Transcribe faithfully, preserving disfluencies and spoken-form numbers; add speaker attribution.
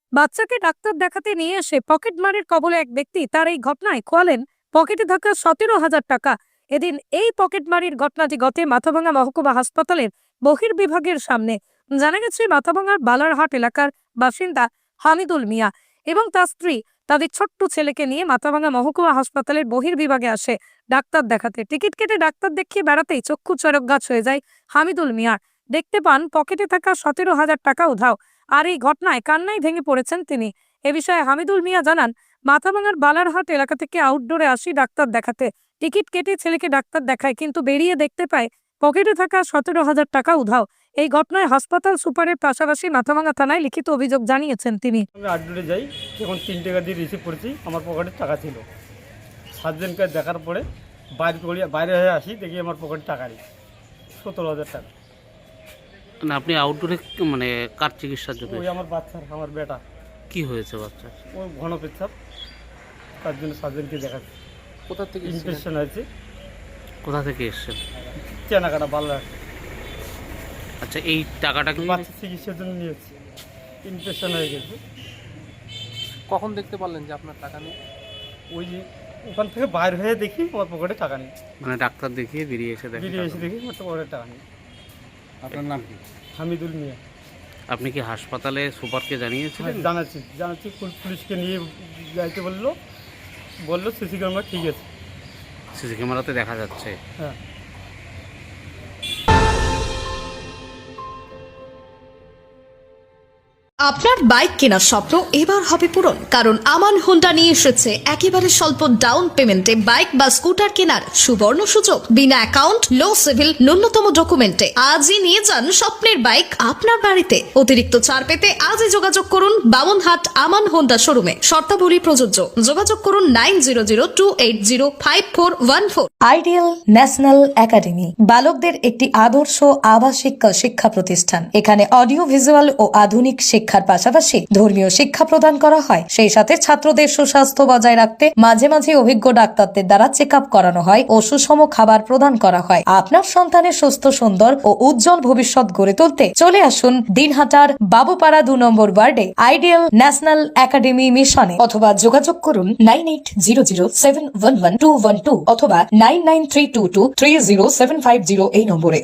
Speaker 1: বাচ্চাকে ডাক্তার দেখাতে নিয়ে এসে পকেটমারির কবলে এক ব্যক্তি। তার এই ঘটনায় খোয়ালেন পকেটে থাকা সতেরো হাজার টাকা। এদিন এই পকেটমারির ঘটনাটি ঘটে মাথাভাঙা মহকুমা হাসপাতালের বহির্বিভাগের সামনে। জানা গেছে, মাথাভাঙার বালারহাট এলাকার বাসিন্দা হামিদুল মিয়া এবং তার স্ত্রী তাদের ছোট্ট ছেলেকে নিয়ে মাথাভাঙা মহকুমা হাসপাতালের বহির্বিভাগে আসে ডাক্তার দেখাতে। টিকিট কেটে ডাক্তার দেখিয়ে বেড়াতেই চক্ষু চড়ক গাছ হয়ে যায় হামিদুল মিয়ার। দেখতে পান পকেটে থাকা সতেরো হাজার টাকা উধাও। আর এই ঘটনায় কান্নায় ভেঙে পড়েছেন তিনি। এ বিষয়ে হামিদুল মিয়া জানান, মাথাভাঙার বালারহাট এলাকা থেকে আউটডোরে আসি ডাক্তার দেখাতে। টিকিট কেটে ছেলেকে ডাক্তার দেখায়, কিন্তু বেরিয়ে দেখতে পায় পকেটে থাকা সতেরো হাজার টাকা উধাও। এই ঘটনায় হাসপাতাল সুপারের পাশাপাশি মাথাভাঙা থানায় লিখিত অভিযোগ জানিয়েছেন তিনি।
Speaker 2: আমি আউটডোরে যাই, যখন তিন টাকা দিয়ে রিসিভ করেছি, আমার পকেটে টাকা ছিল। সাতজনকে দেখার পরে বাইরে করে বাইরে হয়ে আসি, দেখি আমার পকেটে টাকা নেই, সতেরো হাজার টাকা।
Speaker 3: মানে আপনি আউটডোরে মানে কার চিকিৎসার জন্য?
Speaker 2: ওই আমার বাচ্চার, আমার বেটা,
Speaker 3: কি হয়েছে বাচ্চার?
Speaker 2: ওই ঘন পেচ্ছাপ, তার জন্য সাতজনকে দেখাচ্ছি।
Speaker 3: কোথা থেকে
Speaker 2: ইনফেকশন হয়েছে।
Speaker 3: কোথা থেকে এসছেন?
Speaker 2: চেনাকাটা বাল্লা।
Speaker 3: আচ্ছা, এই টাকাটা কি
Speaker 2: বাচ্চার চিকিৎসার জন্য নিয়েছি, ইনফেকশন হয়ে গেছে।
Speaker 4: কখন দেখতে পারলেন যে আপনার টাকা নেই?
Speaker 2: ওই যে ওখান থেকে বাইরে হয়ে দেখি আমার পকেটে টাকা নেই।
Speaker 3: মানে ডাক্তার দেখিয়ে বেরিয়ে এসে দেখেন
Speaker 2: বেরিয়ে
Speaker 3: টাকা
Speaker 2: এসে
Speaker 3: নেই।
Speaker 2: দেখি আমার পকেটে টাকা নেই।
Speaker 3: আপনার নাম কি?
Speaker 2: হামিদুল মিয়া।
Speaker 3: আপনি কি হাসপাতালে সুপারকে জানিয়েছিলেন?
Speaker 2: হ্যাঁ, জানাচ্ছি জানাচ্ছি পুল- পুলিশকে নিয়ে যাইতে বললো বললো সিসি ক্যামেরা ঠিক আছে।
Speaker 3: সিসি ক্যামেরাতে দেখা যাচ্ছে।
Speaker 2: হ্যাঁ।
Speaker 5: আপনার বাইক কেনার স্বপ্ন এবার হবে পূরণ, কারণ আমান হোন্ডা নিয়ে এসেছে একেবারে স্বল্প ডাউন পেমেন্টে বাইক বা স্কুটার কেনার সুবর্ণ সুযোগ। বিনা অ্যাকাউন্ট, লো সিভিল, ন্যূনতম ডকুমেন্টে আজই নিয়ে যান স্বপ্নের বাইক আপনার বাড়িতে। অতিরিক্ত ছাড় পেতে আজই যোগাযোগ করুন বামনহাট আমান হোন্ডা শোরুমে। শর্তাবলী প্রযোজ্য। যোগাযোগ করুন nine zero zero two eight zero five four one four.
Speaker 6: Ideal national academy বালকদের একটি আদর্শ আবাসিক শিক্ষা প্রতিষ্ঠান। এখানে অডিও ভিজুয়াল ও আধুনিক শিক্ষার পাশাপাশি ধর্মীয় শিক্ষা প্রদান করা হয়। সেই সাথে ছাত্রদের সুস্বাস্থ্য বজায় রাখতে মাঝে মাঝে অভিজ্ঞ ডাক্তারদের দ্বারা চেক আপ করানো হয় ও সুষম খাবার প্রদান করা হয়। আপনার সন্তানের সুস্থ, সুন্দর ও উজ্জ্বল ভবিষ্যৎ গড়ে তুলতে চলে আসুন দিনহাটার বাবুপাড়া দু নম্বর ওয়ার্ডে আইডিয়াল ন্যাশনাল একাডেমি মিশনে, অথবা যোগাযোগ করুন nine eight zero zero seven one one two one two অথবা nine nine three two two three zero seven five zero এই নম্বরে।